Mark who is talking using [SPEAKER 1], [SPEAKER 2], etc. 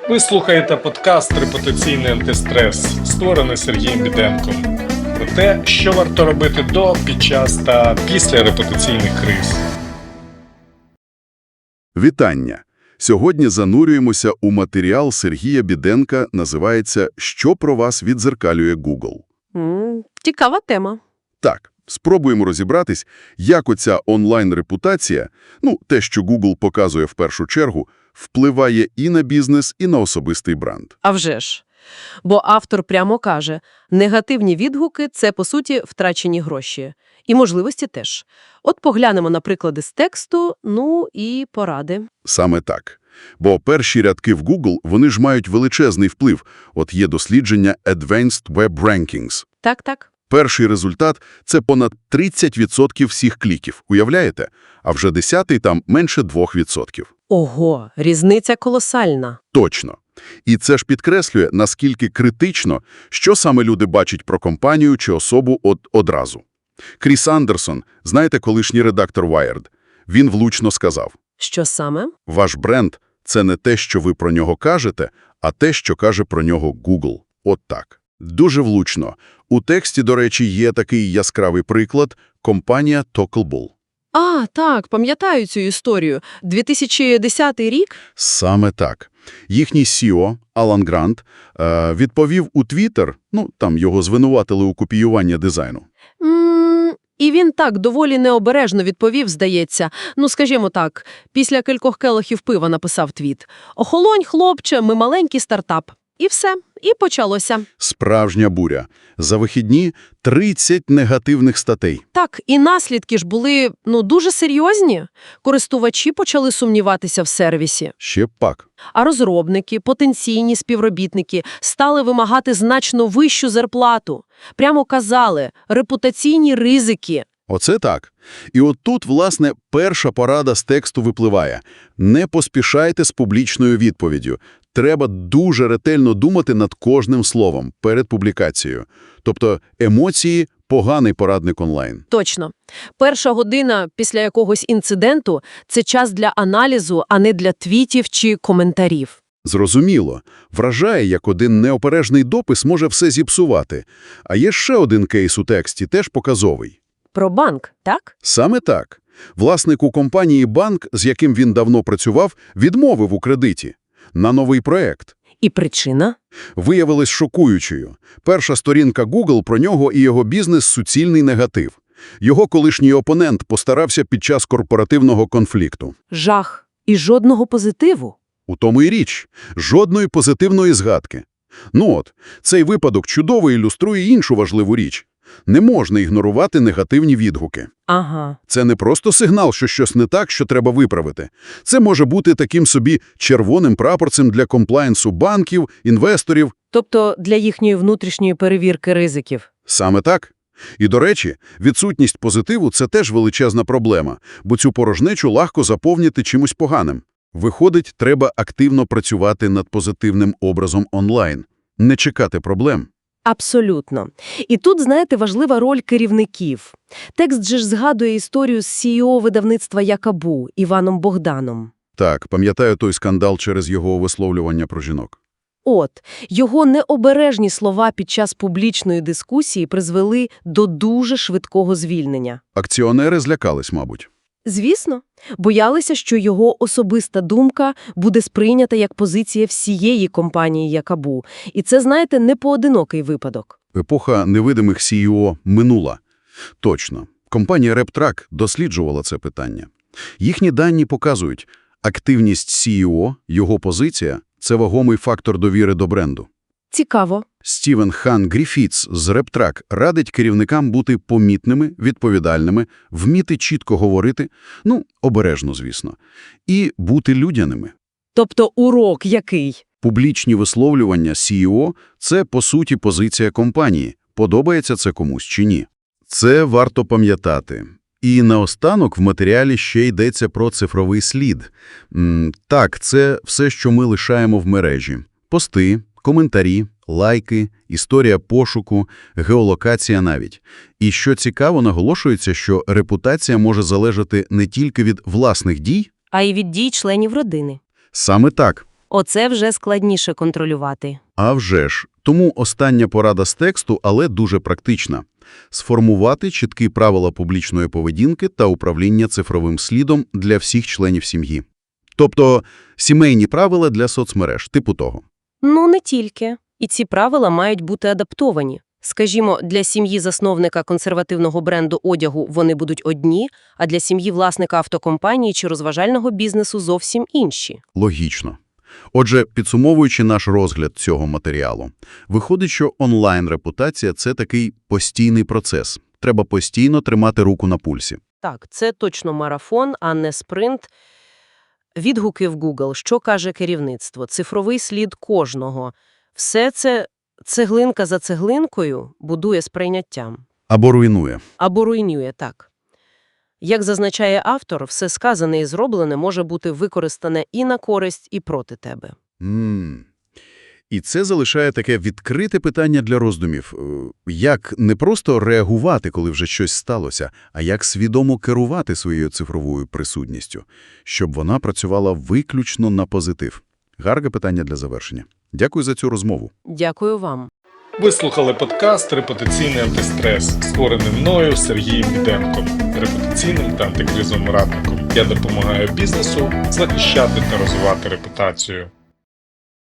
[SPEAKER 1] Ви слухаєте подкаст «Репутаційний антистрес», створений Сергієм Біденком. Про те, що варто робити до, під час та після репутаційних криз.
[SPEAKER 2] Вітання! Сьогодні занурюємося у матеріал Сергія Біденка, називається «Що про вас віддзеркалює Google?».
[SPEAKER 3] Цікава тема.
[SPEAKER 2] Так, спробуємо розібратись, як оця онлайн-репутація, те, що Google показує в першу чергу, впливає і на бізнес, і на особистий бренд.
[SPEAKER 3] А вже ж. Бо автор прямо каже, негативні відгуки – це, по суті, втрачені гроші. І можливості теж. От поглянемо на приклади з тексту, і поради.
[SPEAKER 2] Саме так. Бо перші рядки в Google, вони ж мають величезний вплив. От є дослідження Advanced Web Rankings.
[SPEAKER 3] Так.
[SPEAKER 2] Перший результат – це понад 30% всіх кліків. Уявляєте? А вже 10-й там менше 2%.
[SPEAKER 3] Ого, різниця колосальна.
[SPEAKER 2] Точно. І це ж підкреслює, наскільки критично, що саме люди бачать про компанію чи особу одразу. Кріс Андерсон, знаєте, колишній редактор Wired, він влучно сказав:
[SPEAKER 3] Що саме?
[SPEAKER 2] «Ваш бренд – це не те, що ви про нього кажете, а те, що каже про нього Google». От так. Дуже влучно. У тексті, до речі, є такий яскравий приклад – компанія Talkable.
[SPEAKER 3] А, так, пам'ятаю цю історію. 2010 рік?
[SPEAKER 2] Саме так. Їхній CEO, Алан Грант, відповів у Twitter, там його звинуватили у копіюванні дизайну.
[SPEAKER 3] І він так доволі необережно відповів, здається. Скажімо так, після кількох келихів пива написав твіт. «Охолонь, хлопче, ми маленький стартап». І все. І почалося.
[SPEAKER 2] Справжня буря. За вихідні 30 негативних статей.
[SPEAKER 3] Так, і наслідки ж були, дуже серйозні. Користувачі почали сумніватися в сервісі.
[SPEAKER 2] Ще б пак.
[SPEAKER 3] А розробники, потенційні співробітники стали вимагати значно вищу зарплату. Прямо казали – репутаційні ризики.
[SPEAKER 2] Оце так. І от тут, власне, перша порада з тексту випливає. Не поспішайте з публічною відповіддю. Треба дуже ретельно думати над кожним словом перед публікацією. Тобто емоції – поганий порадник онлайн.
[SPEAKER 3] Точно. Перша година після якогось інциденту – це час для аналізу, а не для твітів чи коментарів.
[SPEAKER 2] Зрозуміло. Вражає, як один неопережний допис може все зіпсувати. А є ще один кейс у тексті, теж показовий.
[SPEAKER 3] Про банк, так?
[SPEAKER 2] Саме так. Власник у компанії банк, з яким він давно працював, відмовив у кредиті на новий проект.
[SPEAKER 3] І причина?
[SPEAKER 2] Виявилась шокуючою. Перша сторінка Google про нього і його бізнес – суцільний негатив. Його колишній опонент постарався під час корпоративного конфлікту.
[SPEAKER 3] Жах. І жодного позитиву.
[SPEAKER 2] У тому і річ. Жодної позитивної згадки. Цей випадок чудово ілюструє іншу важливу річ. Не можна ігнорувати негативні відгуки.
[SPEAKER 3] Ага.
[SPEAKER 2] Це не просто сигнал, що щось не так, що треба виправити. Це може бути таким собі червоним прапорцем для комплаєнсу банків, інвесторів.
[SPEAKER 3] Тобто для їхньої внутрішньої перевірки ризиків.
[SPEAKER 2] Саме так. І, до речі, відсутність позитиву – це теж величезна проблема, бо цю порожнечу легко заповнити чимось поганим. Виходить, треба активно працювати над позитивним образом онлайн. Не чекати проблем.
[SPEAKER 3] Абсолютно. І тут, знаєте, важлива роль керівників. Текст же ж згадує історію з CEO видавництва Якабу Іваном Богданом.
[SPEAKER 2] Так, пам'ятаю той скандал через його висловлювання про жінок.
[SPEAKER 3] Його необережні слова під час публічної дискусії призвели до дуже швидкого звільнення.
[SPEAKER 2] Акціонери злякались, мабуть.
[SPEAKER 3] Звісно, боялися, що його особиста думка буде сприйнята як позиція всієї компанії Якабу. І це, знаєте, не поодинокий випадок.
[SPEAKER 2] Епоха невидимих CEO минула. Точно. Компанія RepTrak досліджувала це питання. Їхні дані показують, активність CEO, його позиція – це вагомий фактор довіри до бренду.
[SPEAKER 3] Цікаво.
[SPEAKER 2] Стівен Хан Гріфітс з RepTrak радить керівникам бути помітними, відповідальними, вміти чітко говорити, обережно, звісно, і бути людяними.
[SPEAKER 3] Тобто урок який?
[SPEAKER 2] Публічні висловлювання CEO – це, по суті, позиція компанії. Подобається це комусь чи ні. Це варто пам'ятати. І наостанок в матеріалі ще йдеться про цифровий слід. Так, це все, що ми лишаємо в мережі. Пости, коментарі, лайки, історія пошуку, геолокація навіть. І що цікаво, наголошується, що репутація може залежати не тільки від власних дій,
[SPEAKER 3] а й від дій членів родини.
[SPEAKER 2] Саме так.
[SPEAKER 4] Оце вже складніше контролювати.
[SPEAKER 2] А вже ж. Тому остання порада з тексту, але дуже практична. Сформувати чіткі правила публічної поведінки та управління цифровим слідом для всіх членів сім'ї. Тобто сімейні правила для соцмереж, типу того.
[SPEAKER 4] Ну, не тільки. І ці правила мають бути адаптовані. Скажімо, для сім'ї засновника консервативного бренду одягу вони будуть одні, а для сім'ї власника автокомпанії чи розважального бізнесу зовсім інші.
[SPEAKER 2] Логічно. Отже, підсумовуючи наш розгляд цього матеріалу, виходить, що онлайн-репутація – це такий постійний процес. Треба постійно тримати руку на пульсі.
[SPEAKER 4] Так, це точно марафон, а не спринт. Відгуки в Google, що каже керівництво, цифровий слід кожного. Все це цеглинка за цеглинкою будує сприйняттям.
[SPEAKER 2] Або руйнує.
[SPEAKER 4] Або руйнує, так. Як зазначає автор, все сказане і зроблене може бути використане і на користь, і проти тебе.
[SPEAKER 2] І це залишає таке відкрите питання для роздумів. Як не просто реагувати, коли вже щось сталося, а як свідомо керувати своєю цифровою присутністю, щоб вона працювала виключно на позитив. Гарне питання для завершення. Дякую за цю розмову.
[SPEAKER 4] Дякую вам.
[SPEAKER 1] Ви слухали подкаст «Репутаційний антистрес», створений мною Сергієм Біденком, репутаційним та антикризовим радником. Я допомагаю бізнесу захищати та розвивати репутацію.